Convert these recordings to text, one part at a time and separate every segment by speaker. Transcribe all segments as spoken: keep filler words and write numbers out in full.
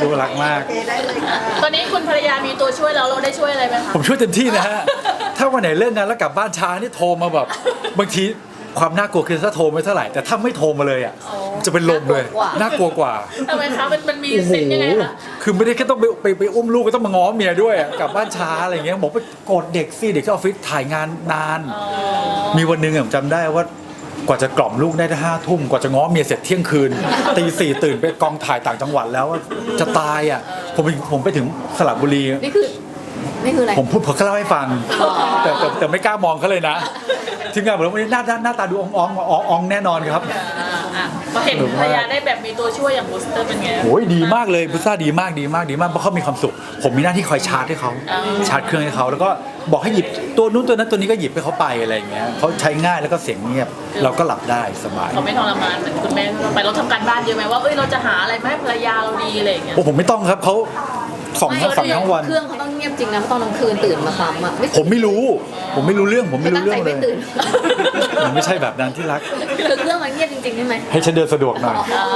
Speaker 1: ดูรักมาก
Speaker 2: ตอนนี้คุณภรรยามีตัวช่วยแล้วเราได้ช่วยอะไรไหมคะ
Speaker 1: ผมช่วยเต็มที่นะฮะถ้าวันไหนเล่นงานแล้วกลับบ้านช้านี่โทรมาแบบบางทีความน่ากลัวคือถ้าโทรไม่เท่าไหร่แต่ถ้าไม่โทรมาเลยอ่ะจะเป็นลมเลยน่ากลัวกว่า
Speaker 2: ทำไมคะมันมันมีเซนยังไงคะ
Speaker 1: คือไม่ได้แค่ต้องไปไปไปอุ้มลูกก็ต้องมาง้อเมียด้วยกลับบ้านช้าอะไรอย่างเงี้ยบอกไปกดเด็กสิเด็กที่ออฟฟิศถ่ายงานนานมีวันหนึ่งผมจำได้ว่ากว่าจะกล่อมลูกได้ห้าทุ่มกว่าจะง้อเมียเสร็จเที่ยงคืนตีสี่ตื่นไปกองถ่ายต่างจังหวัดแล้วจะตายอ่ะผมผมไปถึงสระบุรี
Speaker 3: นี่คือนี่คืออะไร
Speaker 1: ผมพูดผมก็เล่าให้ฟังแต่แต่แต่ไม่กล้ามองเขาเลยนะทีมงานบอกว่าหน้าหน้าตาดูอ่องอ่องอ่องอ่องแน่นอนครับ
Speaker 2: พอเห็นภรรยาได้แบบมีตัวช่วยอย่างบูสเตอร์เป็นไง
Speaker 1: โอ้ยดีมากเลยบูสเตอร์ดีมากดีมากดีมากเพราะเขามีความสุขผมมีหน้าที่คอยชาร์จให้เขาชาร์จเครื่องให้เขาแล้วก็บอกให้หยิบตัวนู้นตัวนั้นตัวนี้ก็หยิบให้เขาไปอะไรอย่างเงี้ยเขาใช้ง่ายแล้วก็เสียงเงียบเราก็หลับได้สบาย
Speaker 2: เขาไม่ทรมานเหมือนคุณแม่ไปเราทำการบ้านเยอะไหมว่าเอ้ยเราจะหาอะไรมาให้ภรรยาเราดีอะไรอย่างเงี้ย
Speaker 1: โอ้ผมไม่ต้องครับเขาสองทั้งฝั่งทั้งวัน
Speaker 3: เครื่องเขาต้องเงียบจริงนะตอนกลางคืนตื่นมาซ้ำอ่ะ
Speaker 1: ผมไม่รู้ผมไม่รู้เรื่องผมไม่รู้เรื่องเลย
Speaker 3: ตื่น
Speaker 1: มันไม่ใช่แบบนั้นที่รัก
Speaker 3: คือเครื่องมันเงียบจริงๆใช่ไหม
Speaker 1: ให้ฉันเดินสะดวกหน่อย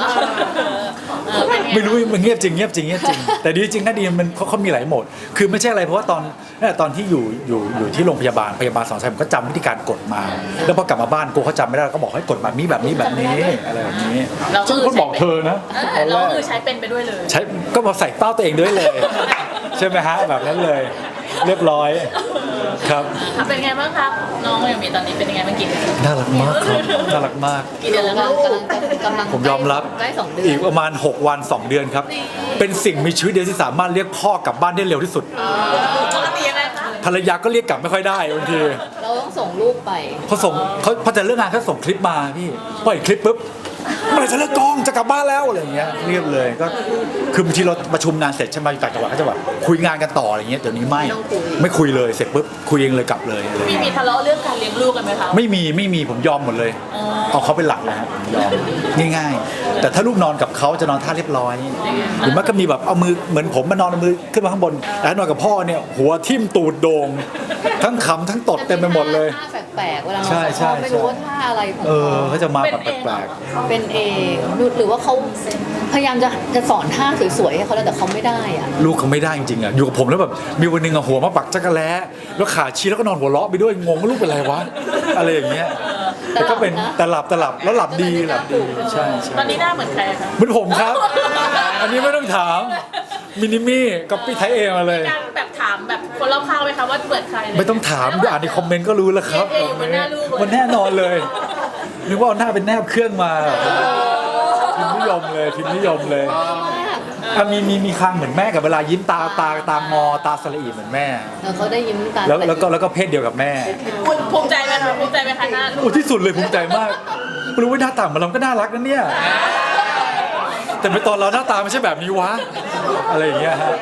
Speaker 1: ไม่รู้มันเงียบจริงเงียบจริงเงียบจริงแต่ดีจริงนะดีมันเขาเขามีหลายโหมดคือไม่ใช่อะไรเพราะว่าตอนตอนที่อยู่อยู่อยู่ที่โรงพยาบาลพยาบาลสอนใช้ผมก็จำวิธีการกดมาแล้วพอกลับมาบ้านกูเขาจำไม่ได้ก็บอกให้กดแบบนี้แบบนี้แบบนี้อะไรแบบนี้ซึ่งคนบอกเธอนะ
Speaker 2: เราคือใช้เป็นไปด้วยเลย
Speaker 1: ใช้ก็มาใส่เป้าตัวเองด้วยเลยใช่ไหมฮะแบบนั้นเลยเรียบร้อยครับ
Speaker 2: เป็นไงบ้างครับน้องอย่างมีตอนนี้เป็นยังไงเมื่อกี้
Speaker 1: น่ารักมากครับน่ารักมาก
Speaker 2: กี่เดือนแล้ว
Speaker 3: กำลัง
Speaker 1: ผมยอมรับ
Speaker 3: ใกล้สองเดือน
Speaker 1: อีกประมาณหกวันสองเดือนครับเป็นสิ่งมีชีวิตเดียวที่สามารถเรียกพ่อกลับบ้านได้เร็วที่สุด
Speaker 2: ปกติยังไงคะ
Speaker 1: ภรรยาก็เรียกกลับไม่ค่อยได้บางที
Speaker 3: เราต้องส่งลูกไป
Speaker 1: เขาส่งเขาพอจะเลิกงานเขาส่งคลิปมาพี่ปล่อยคลิปปุ๊บเมื่อไหร่จะเลิกกองจะกลับบ้านแล้วอะไรอย่างเงี้ยเรียบเลยก็คือบางทีเราประชุมงานเสร็จใช่ไหมอยู่ต่างจังหวัดก็จะแบบคุยงานกันต่ออะไรเงี้ยเดี๋ยวนี้ไม่ไม่คุยเลยเสร็จปุ๊บคุยเองเลยกลับเลย
Speaker 2: มีมีทะเลาะเรื่องการเลี้ยงลูกกันไหมคะ
Speaker 1: ไม่มีไม่มีผมยอมหมดเลยเอาเขาเป็นหลักเลยฮะยอมง่ายๆแต่ถ้าลูกนอนกับเขาจะนอนท่าเรียบร้อยหรือมันก็มีแบบเอามือเหมือนผมมานอนเอามือขึ้นมาข้างบนแต่นอนกับพ่อเนี่ยหัวทิ่มตูดโด่งทั้งขำทั้งตดเต็มไปหมดเลย
Speaker 3: ท่าแปลกๆเวลาเราไม่รู้ว่าท่าอะไรของเขา
Speaker 1: เขาจะมาแบบแปลก
Speaker 3: ๆเป็นเองหรือว่าเขาพยายามจะจะสอนท่าสวยๆให้เขาแล้วแต่เขาไม่ได้อะ
Speaker 1: ลูกเขาไม่ได้จริงๆอ่ะอยู่กับผมแล้วแบบมีวันนึงอ่ะหัวมาปักจักรแล้แล้วขาชี้แล้วก็นอนหัวเราะไปด้วยงงว่าลูกเป็นอะไรวะอะไรอย่างเงี้ยแต่ก็เป็นแต่หลับแต่หลับแล้วหลับดีหลับดีใช่
Speaker 2: ตอนนี้หน้าเหมือนใครคะ
Speaker 1: เหมือนผมครับอันนี้ไม่ต้องถามมินิมี่กับพี่ไทยเอมาเลย
Speaker 2: การแบบถามแบบคนรอบข้างไหมคะว่าเหมือนใคร
Speaker 1: ไม่ต้องถามดูอ่านในคอมเมนต์ก็รู้แล้วครับมันแน่นอนเลยนึกว่าหน้าเป็นแนบเครื่องมาพิมพ์นิยมเลยพิมพ์นิยมเลยมีมีมีคางเหมือนแม่กับเวลายิ้มตาตาตางอตาสละอีเหมือนแม่
Speaker 3: เขาได้ยิ้มตา
Speaker 1: แล้วแล้วก็แล้วก็เพศเดียวกับแม่
Speaker 2: ภูมิใจไหมคะภูมิใจไหมคะหน้า
Speaker 1: โอ้ที่สุดเลยภูมิใจมากไม่รู้ว่าหน้าตาของเราก็น่ารักนะเนี่ยแต่ในตอนเราหน้าตาไม่ใช่แบบนี้วะอะไรอย่างเงี้ยฮะ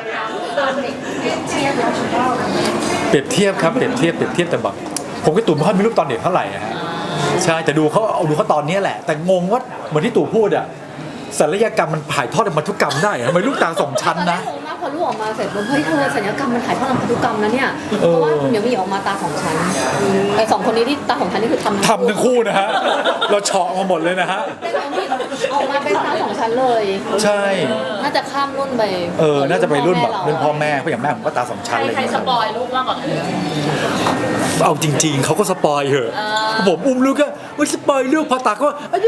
Speaker 1: เปรียบเทียบครับเปรียบเทียบเปรียบเทียบแต่แบบผมกับตู่ไม่ค่อยมีรูปตอนเด็กเท่าไหร่ฮะใช่แต่ดูเขาเอาดูเขาตอนนี้แหละแต่งงว่าเหมือนที่ตู่พูดอะศัลยกรรมมันถ่ายทอดพันธุกรรมได้ทำไมลูกตาสองชั้นนะ
Speaker 3: พอลูกออกมาเสร็จเฮ้ยเธอศัลยกรรมมันถ่ายทอดพันธุกรรมนะเนี่ยเพราะว่าเดี๋ยวมีออกมาตาสองชั้นไอ้สองคนนี้ที่ตาสองชั้นนี่คือทำ
Speaker 1: ทำทั้งคู่นะฮะเราเฉาะมาหมดเลยนะฮะ
Speaker 3: ออกมาเป็นตาสองชั้นเลย
Speaker 1: ใช่
Speaker 3: น่าจะข้ามรุ่นไป
Speaker 1: เออน่าจะไปรุ่นแบบรุ่นพ่อแม่เพราะอย่างแม่ผมก็ตาสองชั้นเลย
Speaker 2: ใครสปอยลูกมากกว่ากัน
Speaker 1: เอาจริงๆเขาก็สปอยเหอะผมอุ้มลูกก็ว่าสปอยลูกพอตาก็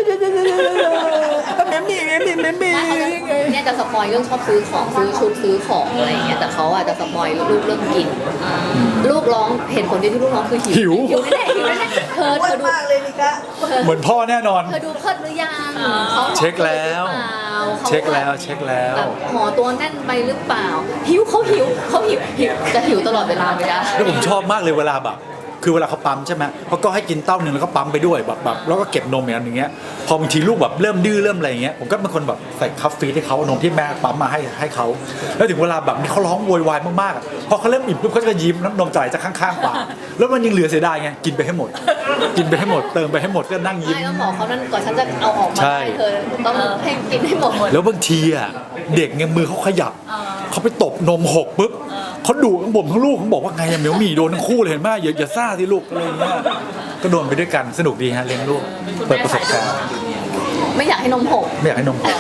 Speaker 1: แม่มีแม่มีแม่มี
Speaker 3: เนี่ยจะสปอยเรื่องชอบซื้อของซื้อชุดซื้อของอะไรอย่างเงี้ยแต่เขาอ่ะจะสปอยลูกเรื่องกินลูกร้องเห็นคนเดียวที่ลูกร้องคือหิวหิวแน่หิวแน่เธอเธอดู
Speaker 1: เหมือนพ่อแน่นอน
Speaker 3: เธอดูเพิดหรือยัง
Speaker 1: เขาเช็คแล้วเช็คแล้วเช็คแล้ว
Speaker 3: ห่อตัวแน่นไปหรือเปล่าหิวเขาหิวเขาหิวหิวจะหิวตลอดเวลาไม่ได้
Speaker 1: แล้วผมชอบมากเลยเวลาแบบคือเวลาเขาปั๊มใช่ไหมเขาก็ให้กินเต้าหนึ่งแล้วก็ปั๊มไปด้วยแบบแบบแล้วก็เก็บนมอย่างเงี้ยพอบางทีลูกแบบเริ่มดื้อเริ่มอะไรอย่างเงี้ยผมก็เป็นคนแบบใส่คัฟฟีให้เขานมที่แม่ปั๊มมาให้ให้เขาแล้วถึงเวลาแบบนี้เขาร้องโวยวายมากๆพอเขาเริ่มอิ่มปุ๊บเขาจะยิ้มน้ำนมจ่ายจะข้างๆปากแล้วมันยังเหลือเสียดายไงกินไปให้หมดกินไปให้หมดเติมไปให้หมดก็นั่งยิ้ม
Speaker 3: ไม่ต้องบอกเขานั่นก่อนฉันจะเอาออกมาให้เธอต้องให้กินให้หมด
Speaker 1: แล้วบางทีอ่ะเด็กไงมือเขาขยับเขาไปตบนมหกปุ๊บเขาดุทั้งบ่มทั้งลูกเขาบอกว่าไงอะเหมียวหมี่โดนทั้งคู่เลยเห็นไหมอย่าอย่าซ่าสิลูกอะไรเงี้ยก็โดนไปด้วยกันสนุกดีฮะเลี้ยงลูกเปิดประสบการณ์
Speaker 3: ไม่อยากให้นมหก
Speaker 1: ไม่อยากให้นมหก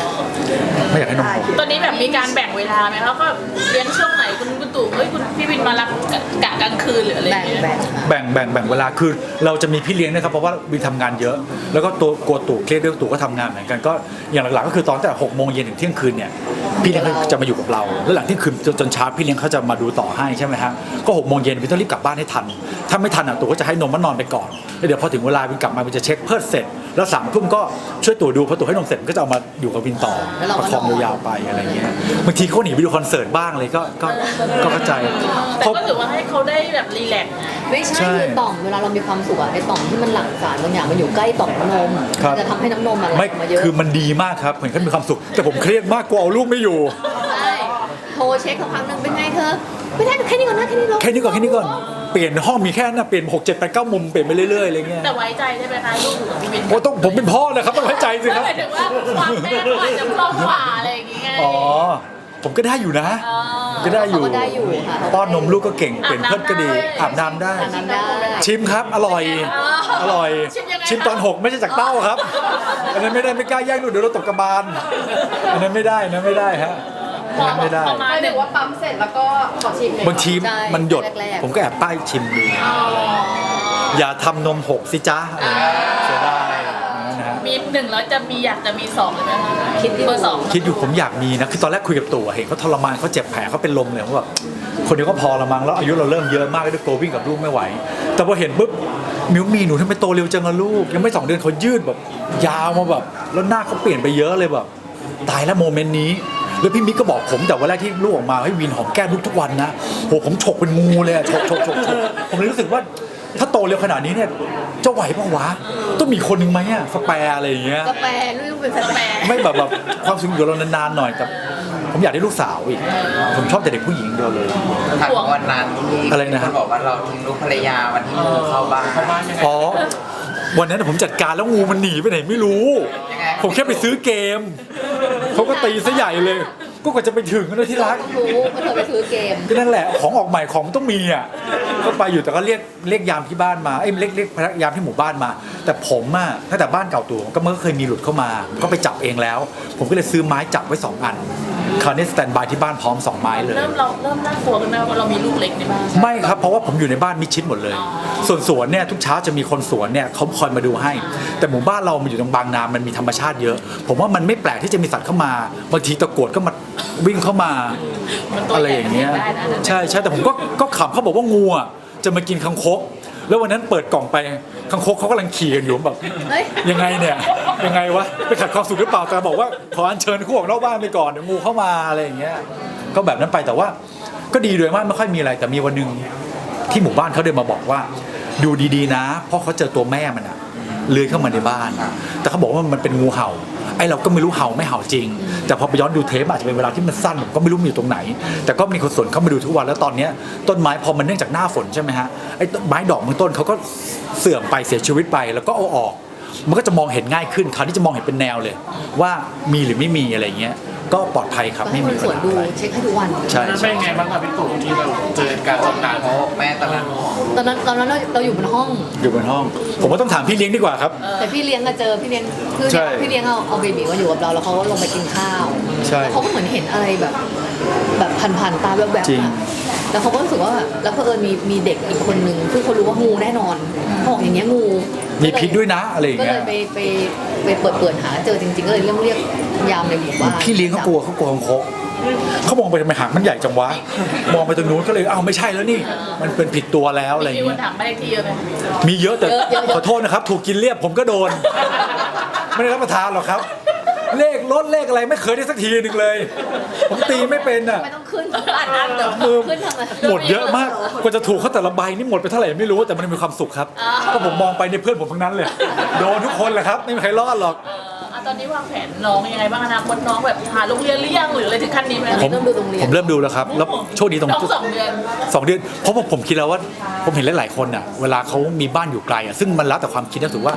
Speaker 1: ไม่อยากให้นมผม
Speaker 2: ตอนนี้แบบมีการแบ่งเวลาไหมคะก็เลี้ยงช่วงไหนคุณคุณตู่เฮ้ยคุณพี่วินมารับกะกลางคืนหรืออะไรอ
Speaker 3: แบ่
Speaker 2: ย่าง งเงี้ย
Speaker 3: แบ่งค่ะ
Speaker 1: แบ่งแบ่งแบ่งเวลาคือเราจะมีพี่เลี้ยงนะครับเพราะว่าวินทำงานเยอะ แล้วก็ตัวกลัวตู่เครียดด้วยตู่ก็ทำงานเหมือนกันก็อย่างหลักๆก็คือตอนแต่หกโมงเย็นถึงเที่ยงคืนเนี่ยพี่เลี้ยงเขาจะมาอยู่กับเราแล้วหลังเที่ยงคืนจนจนเช้าพี่เลี้ยงเขาจะมาดูต่อให้ใช่ไหมฮะก็หกโมงเย็นวินต้องรีบกลับบ้านให้ทันถ้าไม่ทันอ่ะตู่ก็จะให้นมมันนอนไปก่อนแล้วเดี๋ยวพอถึงเวลาวินกลับมาวินจะเช็คเพิดเสร็จแล้วสามทุ่มก็ช่วยตู่ดูพอตู่ให้นมเสร็จก็จะเอามาอยู่กับวินต่อประคองยาวๆไปอะไรเงี้ยบางทีเขาหนีไปดูคอนเสิร์ตบ้างเลยก็ก็ก็เข้าใจ
Speaker 2: แต่ก็ถือว่าให้เขาได้แบบรีแลกซ์
Speaker 3: ไม่ใช่
Speaker 1: ใช่
Speaker 3: คือต่อมเวลาเรามีความสุขอะไอ้ต่อมที่มันหลั่งสารบางอย่างมันอยู่ใกล้ต่อมน้ำนม
Speaker 1: ครับ
Speaker 3: มันจะทำให้น้ำนมมันไหล
Speaker 1: ไม่
Speaker 3: ออกมาเยอะ
Speaker 1: คือมันดีมากครับเห็นเขามีความสุข แต่ผมเครียดมากกลัวเอาลูกไม่อยู่
Speaker 3: ใช่โทรเช็คสักพักหนึ่งเป็นไงเธอไม่ได้แค่นี้ก่อนนะแค่นี้ลง
Speaker 1: แค่นี้ก่อนแค่นี้ก่อนเปลี่ยนห้องมีแค่นั้นนะเปลี่ยนหกเจ็ดแปดเก้ามุมเปลี่ยนไปเรื่อยๆอะไรเงี้ย
Speaker 2: แต่ไว้ใจได้ไหมคะลูกอยู่กับพี่วิน
Speaker 1: โอ้ต้องผมเป็นพ่อนะครับต้องไว้ใจสิครับ
Speaker 2: หมายถึงว่าความแม่เขาอาจจะคล่องกว่าอะไรอย่างเงี้ย
Speaker 1: อ๋อผมก็ได้อยู่นะ
Speaker 2: อ๋อ
Speaker 1: ก็ได้อยู่
Speaker 3: เขาก็ได้อยู่ค่ะ
Speaker 1: ป้อนนมลูกก็เก่งเปลี่ยนเพิดก็ดีอาบน้ำได้
Speaker 3: อาบน้ำได้
Speaker 1: ชิมครับอร่อยอร่อย ชิมตอนหกไม่ใช่จากเต้าครับอันนั้นไม่ได้ไม่กล้าแย่งลูกเดี๋ยวเราตกกระบาลอันนั้นไม่ได้อันนั้นไม่ได้ฮะอันนั้นไม่ได้
Speaker 2: ประมาณ
Speaker 4: ห
Speaker 2: ห
Speaker 4: รื
Speaker 2: นึ่ง
Speaker 4: อว่าปั๊มเสร็จแล้วก็ขอชิมเลย
Speaker 1: บางที
Speaker 3: ใช่
Speaker 1: มันหยด
Speaker 3: แรกๆ
Speaker 1: ผมก็แอบป้ายชิมดูอย่าทำนมหกสิจ้าอะไรอย่างเงี้ยเสียดายนะฮะ
Speaker 2: มีหนึ่งแล้วจะมีอยากจะมีสองเลยไหมคะ
Speaker 3: คิดอยู่
Speaker 2: เบอร์สอง
Speaker 1: คิดอยู่ผมอยากมีนะคือตอนแรกคุยกับตู่อะเห็นเขาทรมานเขาเจ็บแผลเขาเป็นลมเลยผมแบบคนเดียวก็พอละมั้งแล้วอายุเราเริ่มเยอะมากด้วยตัววิ่งกับลูกไม่ไหว แต่พอเห็นปุ๊บมิวมีหนูทำไมโตเร็วจังอะลูกยังไม่สองเดือนเขายืดแบบยาวมาแบบแล้วหน้าเขาเปลี่ยนไปเยอะเลยแบบตายแล้วโมเมนต์นี้แล้วพี่มิกก็บอกผมแต่วันแรกที่ลูกออกมาให้วินหอมแก้มลูกทุกวันนะโหผมฉกเป็นงูเลยอะฉกฉกฉกฉกผมเลยรู้สึกว่าถ้าโตเร็วขนาดนี้เนี่ยจะไหวปะวะต้องมีคนหนึ่งไหมอะสแปร์อะไรอย่างเงี้ย
Speaker 3: กาแฟลูกเป็นสแปร
Speaker 1: ไม่แบบแบบความสุขอยู่เรานานๆหน่อยแต่ผมอยากได้ลูกสาวอีก ผมชอบแต่เด็กผู้หญิงเดียวเลย
Speaker 5: ถัดวันนั้นที่
Speaker 1: อะไรนะฮะ
Speaker 5: คนบอกว่าเราทิ้งลูกภรรยาวันที่งูเข้าบ้าน
Speaker 1: อ๋อวันนั้นผมจัดการแล้วงูมันหนีไปไหนไม่รู้
Speaker 5: ยังไง
Speaker 1: ผมแค่ไปซื้อเกมเขาก็ตีซะใหญ่เลย ก็กว่าจะไปถึงนะที่รัก
Speaker 3: ต้องรู้ว่าเธอไปซื้อเกม
Speaker 1: ก็นั่นแหละของออกใหม่ของมันต้องมีอ่ะก็ไปอยู่แต่ก็เรียกเรียกยามที่บ้านมาเอ้ยเรียกเรียกพนักยามที่หมู่บ้านมา แต่ผมอ่ะตั้งแต่บ้านเก่าตัวก็มันก็เคยมีหลุดเข้ามาก็ไปจับเองแล้ว ผมก็เลยซื้อไม้จับไว้สองอันคราวนี้สแตนบายที่บ้านพร้อมสองไม้เลย
Speaker 2: เริ่มเราเริ่มน่ากลัวกันไหมว่าเรามีลูกเล็กในบ้าน
Speaker 1: ไม่ครับเพราะว่าผมอยู่ในบ้านมิดชิดหมดเลย ส่วนสวนเนี่ยทุกเช้าจะมีคนสวนเนี่ยเขาคอยมาดูให้ แต่หมู่บ้านเรามันอยู่ตรงบางนามันมีธรรมชาติเยอะ ผมว่ามันไม่แปลกที่จะมีสัตว์เข้ามาบางทีตะกรวดก็มาวิ่งเข้ามา
Speaker 2: มันตัว
Speaker 1: อะไร
Speaker 2: ใหญ่
Speaker 1: อย่างเงี้ย
Speaker 2: ได้นะ
Speaker 1: ใช่ใช่แต่ผมก็ก็ขำเขาบอกว่างูอ่ะจะมากินคังคกแล้ววันนั้นเปิดกล่องไปคังคกเขากำลังขี่กันอยู่แบบ
Speaker 3: เฮ้ย
Speaker 1: ยังไงเนี่ยยังไงวะไปขัดความสุขหรือเปล่าแต่บอกว่าขออัญเชิญคู่ออกนอกบ้านไปก่อนเดี๋ยวงูเข้ามาอะไรอย่างเงี้ยก็แบบนั้นไปแต่ว่าก็ดีโดยมากไม่ค่อยมีอะไรแต่มีวันหนึงที่หมู่บ้านเขาเดินมาบอกว่า ดูดีๆนะเพราะเขาเจอตัวแม่มันอะเลื้อยเข้ามาในบ้าน แต่เขาบอกว่ามันเป็นงูเห่าไอ้เราก็ไม่รู้เห่าไม่เห่าจริง แต่พอไปย้อนดูเทปอาจจะเป็นเวลาที่มันสั้นผมก็ไม่รู้มันอยู่ตรงไหน แต่ก็มีคนสวนเข้ามาดูทุกวันแล้วตอนเนี้ยต้นไม้พอมันเนื่องจากหน้าฝนใช่ไหมฮะไอ้ต้นไม้ดอกบางต้นเขาก็เสื่อมไปเสียชีวิตไปแล้วก็เอาออก มันก็จะมองเห็นง่ายขึ้นคราวนี้จะมองเห็นเป็นแนวเลย ว่ามีหรือไม่มีอะไรเงี้ยก็ปลอดภัยครับ
Speaker 3: ก็
Speaker 1: ไม่
Speaker 3: ให้ค
Speaker 1: มี
Speaker 3: น
Speaker 1: ปั
Speaker 3: ส
Speaker 1: ญ
Speaker 3: วน
Speaker 1: หา
Speaker 3: ดู
Speaker 1: อะไร
Speaker 3: เช็คให้ทุกวัน
Speaker 1: ใช่
Speaker 6: นั้น
Speaker 1: ใช่
Speaker 6: เป็นไงบ้างครับพี่ตู่ที่เราเจอการทำงาน
Speaker 5: โอ้แม่ตอนนั้น
Speaker 3: ตอนนั้นตอนนั้นเราเราอยู่บนห้อง
Speaker 1: อยู่บนห้อง ผมว่าต้องถามพี่เลี้ยงดีกว่าครับ
Speaker 3: แต่พี่เลี้ยงก็เจอพี่เลี้ยงคือ
Speaker 1: ใช่
Speaker 3: พี่เลี้ยงเอาเอาเบบีมาอยู่กับเราแล้วเขาก็ลงไปกินข้าว
Speaker 1: ใช่
Speaker 3: แล้วเขาก็เหมือนเห็นอะไรแบบ แบบผ่านๆตาแวบ
Speaker 1: จริง
Speaker 3: ๆอะแล้วเขาก็รู้สึกว่าแล้วเผอิญมีมีเด็กอีกคนนึงซึ่งเขารู้ว่างูแน่นอนเขาบอกอย่างเงี้ยงู
Speaker 1: มีพิษด้วยนะอะไรอย่าง
Speaker 3: ก็
Speaker 1: เงี้
Speaker 3: เลย ยไปไปไปเปิดเปิดหาเจอจริงๆก็เลยเรียกเรียกยามในหมู่บ้าน
Speaker 1: พี่เลี้ยงเขากลัวเขากลัวคังคกเขามองไปทำไมหางมันใหญ่จังวะมองไปตรงนู้นก็เลยอ้าวไม่ใช่แล้วนี่ มันเป็นผิดตัวแล้วอะไรอย่าง
Speaker 2: มีค
Speaker 1: เงี้
Speaker 2: น
Speaker 1: ย
Speaker 2: ถามบ้านเลขที่เยอะไหม
Speaker 1: มีเยอะแต่ขอโทษนะครับ ถูกกินเรียบผมก็โดน ไม่ได้รับประทานหรอกครับ เลขลดเลขอะไรไม่เคยได้สักทีหนึ่งเลย ผมตีไม่เป็นอ่ะ
Speaker 3: ไม่ต้องขึ้น
Speaker 2: อ่านอ่านเดี๋ยว
Speaker 1: มือ
Speaker 3: ขึ้นทำไม
Speaker 1: หมดเยอะมากกว่าจะถูกเขาแต่ละใบนี่หมดไปเท่าไหร่ไม่รู้แต่มันมีความสุขครับก็ผมมองไปในเพื่อนผมทั้งนั้นเลยโดนทุกคนแหละครับไม่มีใครรอดหรอก
Speaker 2: เอ่ออ่ะตอนนี้วางแผนน้องยังไงบ้างอนาคตน้องแบบหาโรงเรียนหรือยังหรืออะไรถึงขั้นนี้ไหม
Speaker 1: ผม
Speaker 3: เริ่มดูโรงเรียน
Speaker 1: ผมเริ่มดูแล้วครับแล้วโชคดีตรง
Speaker 2: น้องสองเดือน
Speaker 1: สองเดือนเพราะว่าผมคิดแล้วว่าผมเห็นหลายๆคนอ่ะเวลาเขามีบ้านอยู่ไกลอ่ะซึ่งมันแล้วแต่ความคิดนะถือว่า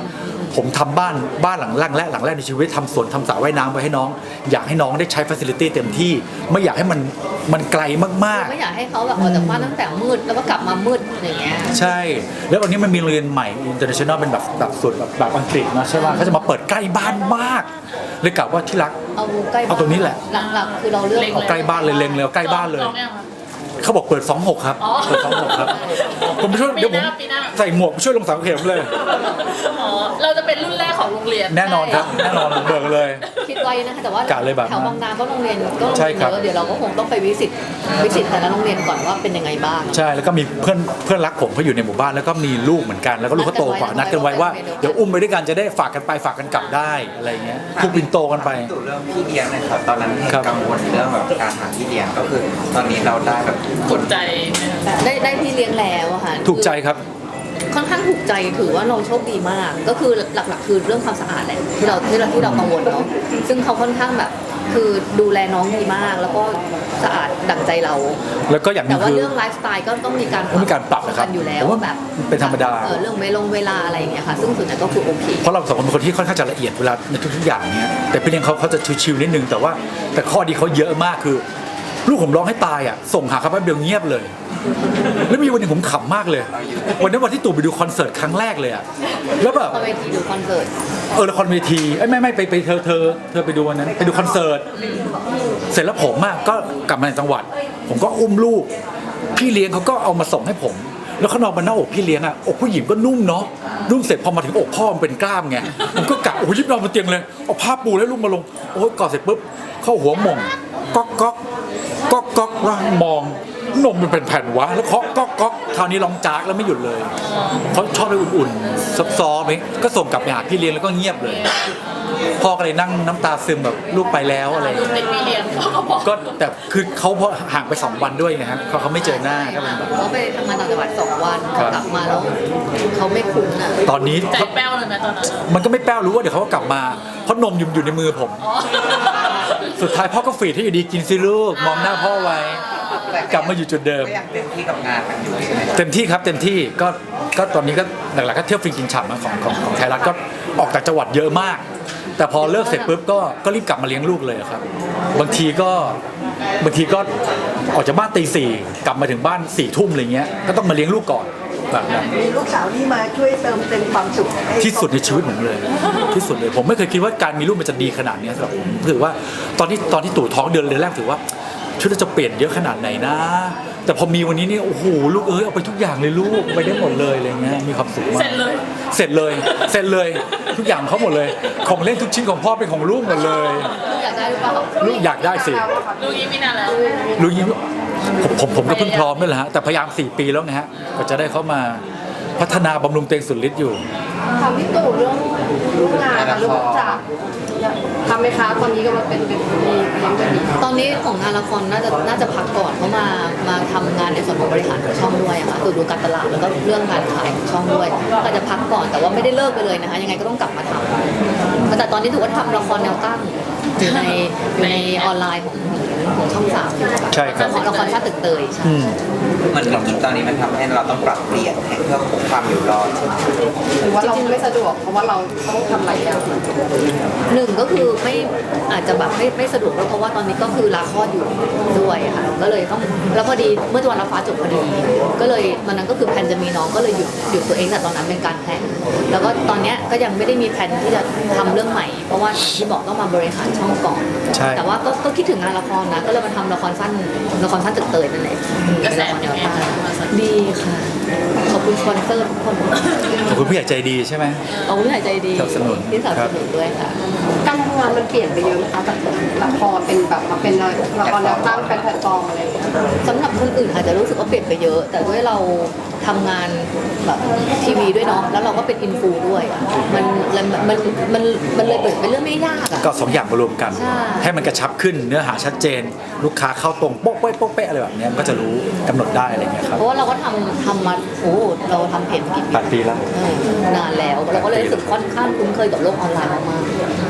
Speaker 1: ผมทำบ้านบ้านหลังแรกและหลังแรกในชีวิตทำสวนทำสระว่ายน้ำไว้ให้น้อง อยากให้น้องได้ใช้ฟัซิลิตี้เต็มที่ไม่อยากให้มันมันไกลมาก
Speaker 3: ไม่อยากให้เขาแบบออกจากบ้านตั้งแต่มืดแล้วก็กลับมามืดอย่างเงี้ย
Speaker 1: ๆ ใช่ แล้ววันนี้มันมีโรงเรียนใหม่ international เป็นแบบแบบสุดแบบแบบอังกฤษนะใช่ป่ะเขาจะมาเปิดใกล้บ้านมากเลยกะว่าที่รัก
Speaker 3: เอาใกล้บ้
Speaker 1: เอาตรงนี้แหละ
Speaker 3: หลักๆคือเราเลือก
Speaker 1: เอาใกล้บ้านเลยเล็งเลยเอาใกล้บ้านเลย
Speaker 2: จองยังคะ
Speaker 1: เขาบอกเปิดสองหกครับ
Speaker 2: อ๋อ
Speaker 1: เปิดสองหกครับผมไปช่วย
Speaker 2: ปี
Speaker 1: เดี๋ยว
Speaker 2: ห
Speaker 1: ผม
Speaker 2: น้าปีหน้า
Speaker 1: ใส่หมวกไปช่วยลงเสาเข็มเลย
Speaker 2: อ๋อเราจะเป็นรุ่นแรกของโรงเรียน
Speaker 1: แน่นอนครับแน่นอนเบิกเลย
Speaker 3: คิดไว้นะคะแต่ว่าก
Speaker 1: ะเลยแบบ
Speaker 3: แถวบางนาก็โรงเรียนก็โรง
Speaker 1: ใช่
Speaker 3: เรียน
Speaker 1: ครับ
Speaker 3: เยอะเดี๋ยวเราก็คงต้องไปวิสิตวิสิตแต่ละโรงเรียนก่อนว่าเป็นยังไงบ้าง
Speaker 1: ใช่แล้วก็มีเพื่อนเพื่อนรักผมเขาอยู่ในหมู่บ้านแล้วก็มีลูกเหมือนกันแล้วก็ลูกเขาโตกว่า
Speaker 3: นั
Speaker 1: นั
Speaker 3: ด
Speaker 1: ด
Speaker 3: กั
Speaker 1: กัน น
Speaker 3: ไว้
Speaker 1: ไว้ว่า
Speaker 3: ว่า
Speaker 1: เดี๋ยวอุ้มไปด้วยกันจะได้ฝากกันไปฝากกันกลับได้อะไรเงี้ยผูกปินโตกันไป
Speaker 5: ตู่เรื่องพี่เลี้ยงหน่อยครับตอนนั้นเห็น
Speaker 1: ครับ
Speaker 5: กังวลเรื่องแบบการหาพี่เลี้ยงก็คือ ตอนนี้เราได้แบบ
Speaker 2: กดใจไหมคะ
Speaker 3: ได้ได้พี่เลี้ยงแล้วอะค่ะ
Speaker 1: ถูกใจครับ
Speaker 3: ค่อนข้างถูกใจถือว่าเราโชคดีมาก ก็คือหลักๆ คือเรื่องความสะอาดแหละที่เราที่เราที่เรากังวลเนาะซึ่งเขาค่อนข้างแบบคือดูแลน้องดีมาก แล้วก็สะอาดดั่งใจเรา
Speaker 1: แล้วก็อย่างหนึ
Speaker 3: แต่
Speaker 1: ง
Speaker 3: ว่า
Speaker 1: คือ
Speaker 3: เรื่องไลฟ์สไตล์ก็ต้องมีการ
Speaker 1: ต้องมีการปรับนะครับ
Speaker 3: กันอยู่แล้ว
Speaker 1: ผมว่า
Speaker 3: แบบ
Speaker 1: เป็นธรรมดา
Speaker 3: เออเรื่องเวลงเวลาอะไรอย่างเงี้ยค่ะซึ่งส่วนใหญ่ก็คือโอเค
Speaker 1: เพราะเราสองคนเป็นคนที่ค่อนข้างจะละเอียดเวลาในทุกๆอย่างเนี้ยแต่พี่เลี้ยงเขาเขาจะชิวๆนิดนึงแต่ว่าแต่ข้อดีเขาเยอะมากคือ ลูกผมร้องให้ตายอ่ะส่งหาเขาแป๊บเดียวเงียบเลย แล้วมีวันหนึงผมขำมากเลย วันนั้นวันที่ตู่ไปดูคอนเสิร์ตครั้งแรกเลยอ่ะแล้วแบบ
Speaker 3: คอนเวทีดูคอนเสิร์ต
Speaker 1: เออละครเวทีเอ้ยไม่ไม่ไปไปเธอเธอเธอไปดูวันนั้นไปดูคอนเสิร์ตเสร็จแล้วผมอ่ะก็กลับมาในจังหวัด ผมก็อุ้มลูก พี่เลี้ยงเขาก็เอามาส่งให้ผม แล้วเขานอนบนหน้าอกพี่เลี้ยงอ่ะอกผู้หญิงก็นุ่มเนาะนุ่มเสร็จพอมาถึงอกพ่อมันเป็นกล้ามไงผมก็กะโอ้ยยิบนอนบนเตียงเลยเอาผ้าปูแล้วลูกมาลงโอ้ยกอดเสร็จปุ๊บเข้าหัวหม่งก๊อกก๊อกก๊อกก๊อกแล้วมองนมมันเป็นแผ่นวะแล้วเคาะก๊อกก๊อกคราวนี้ร้องจากแล้วไม่หยุดเลยเขาชอบไปอุ่นๆซอฟๆไหมก็ส่งกลับไปหาพี่เลี้ยงแล้วก็เงียบเลยพ่อก็เลยนั่งน้ำตาซึมแบบลูกไปแล้วอะไรอย่าง
Speaker 2: ลู
Speaker 1: เงี้ย
Speaker 2: กติดพี่เลี้ยงเขาก็บอก
Speaker 1: ก็แต่คือเขาพอห่างไปสองวันด้วยไงฮะเขาเขาไม่เจอหน้าก็เป็นแบบ
Speaker 3: เขาไปทำงานต่างจังหวัดสองวัน
Speaker 1: ครับ
Speaker 3: กลับมาแล้วเขาไม่คุ้นอ่ะ
Speaker 1: ตอนนี้
Speaker 2: ใจแป้วเลยไหมตอนนั้นอะ
Speaker 1: มันก็ไม่แป้วรู้ว่าเดี๋ยวเขาก็กลับมาเพราะนมอยู่อยู่ในมือผม
Speaker 2: อ๋อ
Speaker 1: สุดท้ายพ่อก็ฝีดให้อยู่ดีกินสิลูกมองหน้าพ่อไว้ กลับมาอยู่จุดเดิม
Speaker 5: ก็ยังเต็มที่กับงานกันอยู่ใช่ไหม
Speaker 1: เต็มที่ครับเต็มที่ก็ก็ตอนนี้ก็หลักๆก็เที่ยวฟรีกินฉ่ำนะของของของไทยรัฐก็ออกจากจังหวัดเยอะมาก แต่พอเลิกเสร็จปุ๊บก็ก็รีบกลับมาเลี้ยงลูกเลยครับ บางทีก็บางทีก็ออกจากบ้านตีสี่กลับมาถึงบ้านสี่ทุ่มอะไรเงี้ยก็ต้องมาเลี้ยงลูกก่อนแบบนั้น
Speaker 7: มีลูกสาวที่มาช่วยเติมเต็มความสุขให้
Speaker 1: ที่สุดในชีวิตผมเลย ที่สุดเลยผมไม่เคยคิดว่าการมีลูกมันจะดีขนาดนี้สำหรับผมถือว่าตอนที่ตอนที่ตู่ท้องเดือนเดือนแรกถือว่าชีวิตเราจะเปลี่ยนเยอะขนาดไหนนะ แต่พอมีวันนี้นี่โอ้โหลูกเอ้ยเอาไปทุกอย่างเลยลูกไปได้หมดเลยอะไรเงี้ยมีความสุขมาก
Speaker 2: เสร็จเลย
Speaker 1: เสร็จเลยเสร็จเลยทุกอย่างเขาหมดเลย ของเล่นทุกชิ้นของพ่อเป็นของลูกหมดเลย
Speaker 3: ลูกอยากได้หรือเปล่า
Speaker 1: ลูกอยากได้สิ
Speaker 2: ลูกยิ้มไม่นานแล้ว
Speaker 1: ลูกยิ้มผมผมผมก็เพิ่งพร้อมด้วยแหละฮะแต่พยายามสี่ปีแล้วนะฮะก็จะได้เข้ามาพัฒนาบำรุงเตงสุดฤทธิ์อยู่
Speaker 4: ทำพี่ตู่เรื่องลูกงานค่ะลูกจากทำไหมคะตอนนี้ก็มาเป็นเป็นมีเลี้ยงกันดี
Speaker 3: ตอนนี้ของงานละครน่าจะน่าจะพักก่อนเพราะมามาทำงานในส่วนของบริหารของช่องด้วยอะค่ะตรวจดูการตลาดแล้วก็เรื่องการขายของช่องด้วยก็จะพักก่อนแต่ว่าไม่ได้เลิกไปเลยนะคะยังไงก็ต้องกลับมาทำแต่ตอนนี้ถือว่าทำละครแนวตั้งอยู่ในอยู่ในออนไลน์ของของช่องสามอยู่ค่ะ
Speaker 1: ใช่ครับ
Speaker 3: ของละครชาติตึกเตยใช่
Speaker 1: อืม
Speaker 5: เหมือนกับตอนนี้มันทำให้เราต้องปรับเปลี่ยนให้เพื่อคงความอยู่รอดใช่ไหม
Speaker 4: หรือว่าเราไม่สะดวกเพราะว่าเราต้องทำหลายอย่าง
Speaker 3: หนึ่งก็คือไม่อาจจะแบบไม่ไม่สะดวกด้วยเพราะว่าตอนนี้ก็คือลาคลอดอยู่ด้วยค่ะก็เลยต้องแล้วพอดีเมื่อวันรับฟ้าจบพอดี ก็เลยวันนั้นก็คือแพลนจะมีน้องก็เลยหยุดหยุดตัวเองแต่ตอนนั้นเป็นการแพลนแล้วก็ตอนเนี้ยก็ยังไม่ได้มีแพลนที่จะทำเรื่องใหม่ เพราะว่าอย่างที่บอกต้องมาบริหารช่องก่อน
Speaker 1: ใช่
Speaker 3: แต่ว่าก็ก็คิดถึงงานละครนะก็เลยมาทำละครสั้นละครสั้นตึกเตยนั่นแหละ
Speaker 2: กระแส
Speaker 3: ละคร
Speaker 2: เป็
Speaker 3: แน
Speaker 2: น
Speaker 3: ว
Speaker 2: ไง
Speaker 3: ตั้ง
Speaker 2: คะ
Speaker 3: ดีค่ะขอบคุณสปอนเซอร์ทุกคน
Speaker 1: ขอบคุณผู้ใหญ่ใจดีใช่ไหม
Speaker 3: ขอบคุณที่หายใจดี
Speaker 1: สนับสนุน
Speaker 3: ที่สนับสนุนด้วยค่ะ
Speaker 4: การทำงานมันเปลี่ยนไปเยอะไหมคะจากละครเป็นแบบมาเป็นละครแนวตั้งเป็นแพลตฟอร์มอะไรอย่างเงี้ย
Speaker 3: สำหรับคนอื่นอาจจะรู้สึกว่าเปลี่ยนไปเยอะ แต่ด้วยเราทำงานแบบทีวีด้วยเนาะแล้วเราก็เป็นอินฟูด้วยอะมันมันมันมันมันเลยเปิดเป็นเรื่องไม่ยากอะ
Speaker 1: ก็สองอย่างมารวมกัน
Speaker 3: ใช่
Speaker 1: ให้มันกระชับขึ้นเนื้อหาชัดเจน ลูกค้าเข้าตรงโป๊ะเป๊ะโป๊ะเป๊ะอะไรแบบเนี้ยมันก็จะรู้กำหนดได้อะไรเงี้ยครับ
Speaker 3: เพราะว่าเราก็ทำทำมาโอ้เราทำเพจมากี่ปี
Speaker 1: แปดปีแล้ว
Speaker 3: เออนานแล้วเราก็เลยรู้สึกค่อนข้างคุ้นเคยกับโลกออนไลน์มาก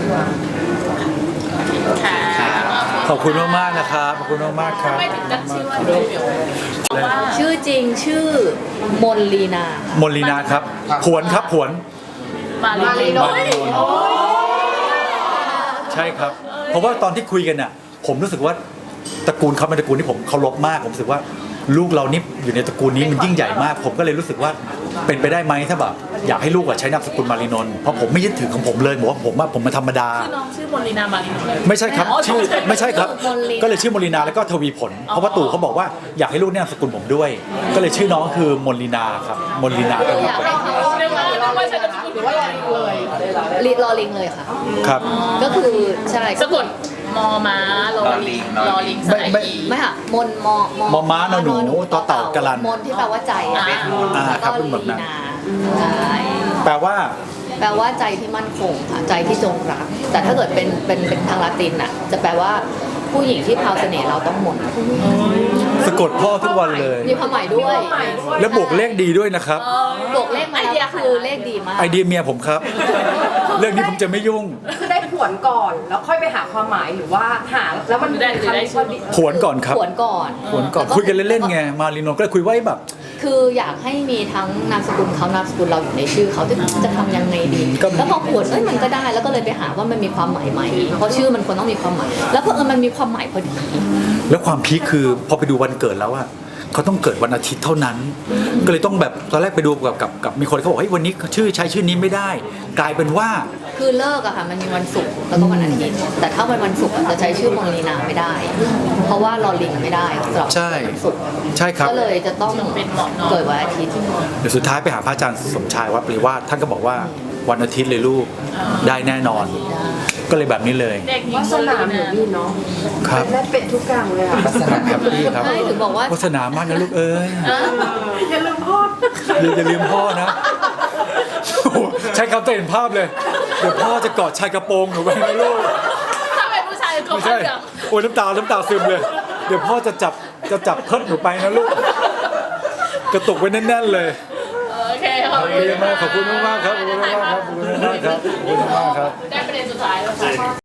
Speaker 2: ค่ะ
Speaker 1: ขอบคุณมากๆนะครับขอบคุณมากๆครับ
Speaker 2: ไม่ถึงตั้งชื่อว่าเบลเบลเพราะว่า
Speaker 3: ๆชื่อจริงชื่อมนลีนา
Speaker 1: มนลีนาครับผวนครับผวน
Speaker 2: มาลี
Speaker 4: มาลีโน
Speaker 1: มาลีโน ใช่ครับ เพราะว่าตอนที่คุยกันน่ะผมรู้สึกว่าตระกูลเขาเป็นตระกูลที่ผมเคารพมากผมรู้สึกว่าลูกเรานี่อยู่ในตระกูลนี้มันยิ่งใหญ่มาก ผมก็เลยรู้สึกว่าเป็นไปได้ไหมถ้าแบบอยากให้ลูกอะใช้นามสกุลมารีนนท์เพราะผมไม่ยึดถือของผมเลยบอกว่าผมว่าผมมาธรรมดา
Speaker 2: ชื่อน้องชื่อมนลีนามาลีโน
Speaker 1: ไม่ใช่ครับ
Speaker 2: อ๋อ
Speaker 1: ชื่อไม่ใช่ครับ
Speaker 3: มนลีนา
Speaker 1: ก็เลยชื่อมนลีนาแล้วก็ทวีผล เพราะว่าตู่เขาบอกว่าอยากให้ลูกเนี่ยนามสกุลผมด้วย ก็เลยชื่อน้องคือมนลีนาครับมนลีนาทวี
Speaker 3: อยาก
Speaker 1: ผล
Speaker 3: ให้เขา
Speaker 2: เรียกว่าเรียกว่าใช้นามสกุล
Speaker 4: หรือว่าอะไรเลย
Speaker 3: ลิรอลิงเลยค่ะ
Speaker 1: ครับ
Speaker 3: ก็คือใช่
Speaker 2: สะกดมอม้าลอลิงลอลิงสระ
Speaker 1: ไม่
Speaker 2: อี
Speaker 3: ไม่ค่ะมนมอ
Speaker 1: มอม้านอหนูต่อเต่ากะลัน
Speaker 3: มนที่แปลว่าใจอะ
Speaker 1: อ่า
Speaker 3: แล้ว
Speaker 1: ครั
Speaker 3: ก็
Speaker 1: บเป็นแบบ
Speaker 3: ลี
Speaker 1: นั้น
Speaker 3: นาใช่
Speaker 1: แปลว่า
Speaker 3: แปลว่าใจที่มั่นคงค่ะใจที่จงรัก แต่ถ้าเกิดเป็นเป็นเป็นทางลาตินอ่ะจะแปลว่าผู้หญิงที่พราวเสน่ห์เราต้องมน
Speaker 1: สะกดพ่อทุกวันเลย
Speaker 3: มีความหมายด้วย
Speaker 1: แล้วบวกเลขดีด้วยนะครับ
Speaker 3: บวกเลขมาแล้วคือเลขดีมาก
Speaker 1: ไอเดียเมียผมครับ เรื่องนี้ผมจะไม่ยุ่ง
Speaker 4: คือได้ผวนก่อนแล้วค่อยไปหาความหมายหรือว่าหาแล้วมัน
Speaker 2: ได้หรือได้ชื่อ
Speaker 1: ผวนก่อนครับ
Speaker 3: ขวนก่อน
Speaker 1: ผวนก่อนคุยกันเล่นๆไงมารีโนก็เลยคุยไว้แบบ
Speaker 3: คืออยากให้มีทั้งนามสกุลเขานามสกุลเราอยู่ในชื่อเขาจะจะทำยังไงดี
Speaker 1: ก็
Speaker 3: แล้วพอขวนเอ้ยมันก็ได้แล้วก็เลยไปหาว่ามันมีความหมายไหมเพราะชื่อมันควรต้องมีความหมาย แล้วเพอเออมันมีความหมายพอดี
Speaker 1: แล้วความพีคคือพอไปดูวันเกิดแล้วอะเขาต้องเกิดวันอาทิตย์เท่านั้น ก็เลยต้องแบบตอนแรกไปดูกับกับกับมีคนเขาบอกเฮ้ยวันนี้ชื่อใช้ชื่อนี้ไม่ได้ กลายเป็นว่า
Speaker 3: คือเลิกอะค่ะมันมีวันศุกร์แล้วก็วันอาทิตย์แต่ถ้าวันวันศุกร์อะจะใช้ชื่อมงลีนาไม่ได้ เพราะว่าลอลิงไม่ได้สำหรับ
Speaker 1: ใช่
Speaker 3: วันศุกร์
Speaker 1: ใช่ครับ
Speaker 3: ก็เลยจะต้อง
Speaker 2: เป็นเหมาะเนอะ
Speaker 3: เกิดวันอาทิตย์
Speaker 1: เดี๋ยวสุดท้ายไปหาพระอาจารย์สมชายวัดปริวาสท่านก็บอกว่าวันอาทิตย์เลยลูกได้แน่นอน ก็เลยแบบนี้เลย
Speaker 2: เด็กหญิ
Speaker 4: วาง สนาเหมือนนี่เนาะ
Speaker 1: ครับ
Speaker 4: ได้เป็ดทุกอย่างเลยอ่ะ
Speaker 5: ลักษณะ
Speaker 1: ครับพี่ครับ
Speaker 3: ใช่ถึงบอกว่า
Speaker 1: โฆษณามากนะลูกเอ้ย
Speaker 4: อย่าลืมพ่อ
Speaker 1: อย่าอย่าลืมพ่อนะโอ้โหใช้คำเต็มภาพเลย เดี๋ยวพ่อจะกอดชายกระโปรงหนูไว้นะลูก
Speaker 2: ถ้าเป็นผู้ชายก็
Speaker 1: ไม่
Speaker 2: ไม่
Speaker 1: ใช่
Speaker 2: เสียง
Speaker 1: โอ้ยน้ำตา น้ำตาซึมเลย เดี๋ยวพ่อจะจับ จะจับเพิดหนูไปนะลูก กระตุกไว้แน่นๆเลย
Speaker 2: โอเคขอบ
Speaker 1: โอ
Speaker 2: คุ
Speaker 1: เค
Speaker 2: ณ
Speaker 1: มากขอบคุณมากๆครับ ขอบคุณมากๆครับ ขอบคุณมากๆครับ ขอบคุณมากๆครับ
Speaker 2: ได้ประเด็นสุดท้ายแล้วค่ะ